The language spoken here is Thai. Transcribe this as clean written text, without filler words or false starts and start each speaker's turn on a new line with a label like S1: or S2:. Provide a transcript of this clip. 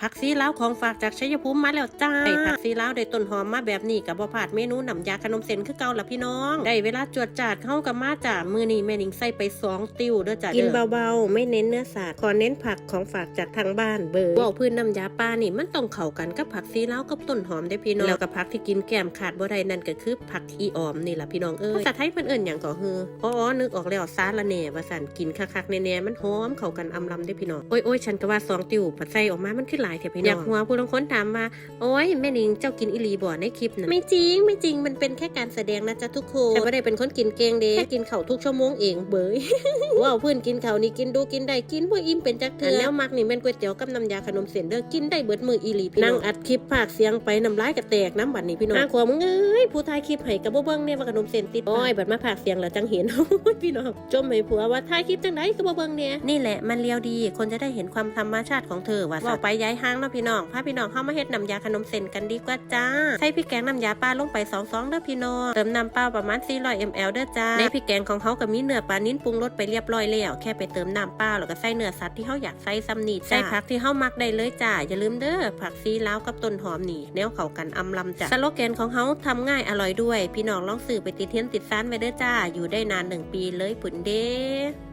S1: ผักซีลาวของฝากจากชัยภูมิมาแล้วจ้าได้ผักซีลาวได้ต้นหอมมาแบบนี้กับบ่พลาดเมนูน้ำยาขนมเส้นคือเก่าละพี่น้องได้เวลาจวดจาดเข้ากับมาจ้ามือนี้แม่นิงใส่ไป2ติ้วเด้อจ้ากินเบาๆไม่เน้นเนื้อสัตว์ขอเน้นผักของฝากจากทางบ้านเบอร์ว่าพื้นน้ำยาปลานี่มันต้องเข้ากันกับผักซีลาวกับต้นหอมได้พี่น้องแล้วกับผักที่กินแกมขาดบ่ได้นั่นก็คือผักอีออมนี่ล่ะพี่น้องภาษาไทยเพิ่นเอิ้นหยังก็คืออ๋อนึกออกแล้วซาละแหน่ว่าสั่นกินคักๆแน่ๆมันหอมเข้ากันอำลำได้พี่น้องโอ้ยฉันก็ว่า2ติ้วผัดใส่ออกมามันคือหลายแท้พี่น้องอยากหัวผู้ลางคนถามว่าโอ้ยแม่นิงเจ้ากินอีหลีบ่ในคลิปนั้นไม่จริงมันเป็นแค่การแสดงนะจ๊ะทุกคนฉันไม่ได้เป็นคนกินเก่งเด้แค่กินข้าวทุกชั่วโมงเองเบยว้าวเพื่อนกินข้าวนี่กินดูกินได้กินบ่อิ่มเป็นจักเทื่อแล้วมักนี่แม่นก๋วยเตี๋ยวกับน้ำยาขนมเส้นเด้อกินได้เบิดมืออีหลีพี่น้องนั่งอัดคลิปภาคเสียงไปน้ำลายกระแตกน้ำบัดนี้พี่น้องขวมึงเอ้ยผู้ถ่ายคลิปให้กับบ่เบิ่งเนี่ยว่าขนมเส้นติดโอ้ยบัดมาภาคเสียงแล้วจังเห็นพี่น้องจมให้ผัวว่าถ่ายคลิปจังได๋ก็บ่เบิ่งเนี่ยนี่แหละมันเลียวดีคนจะได้เห็นความธรรมชาติของเธอว่าไปย้ายห้างเนาะพี่น้องพาพี่น้องเข้ามาเฮ็ดน้ำยาขนมเส้นกันดีกว่าจ้าใส่พริกแกงน้ำยาปลาลงไป2 ซองเด้อพี่น้องเติมน้ำเปล่าประมาณ400 ml เด้อจ้าในพริกแกงของเขาก็มีเนื้อปลานิ้นปรุงรสไปเรียบร้อยแล้วแค่ไปเติมน้ำเปล่าแล้วก็ใส่เนื้อสัตว์ที่เขาอยากใส่ซ้ำนี่ใส่ผักที่เขามักได้เลยจ้าอย่าลืมเด้อผักซีลาวกับต้นหอมนี่แนวเข้ากันอำลำจ้าสโลแกนของเขาทำง่ายอร่อยด้วยพี่น้องลองซื้อไปติดเทียนติดซ้านไว้เด้อจ้าอยู่ได้นาน1 ปีเลยปุ่นเด้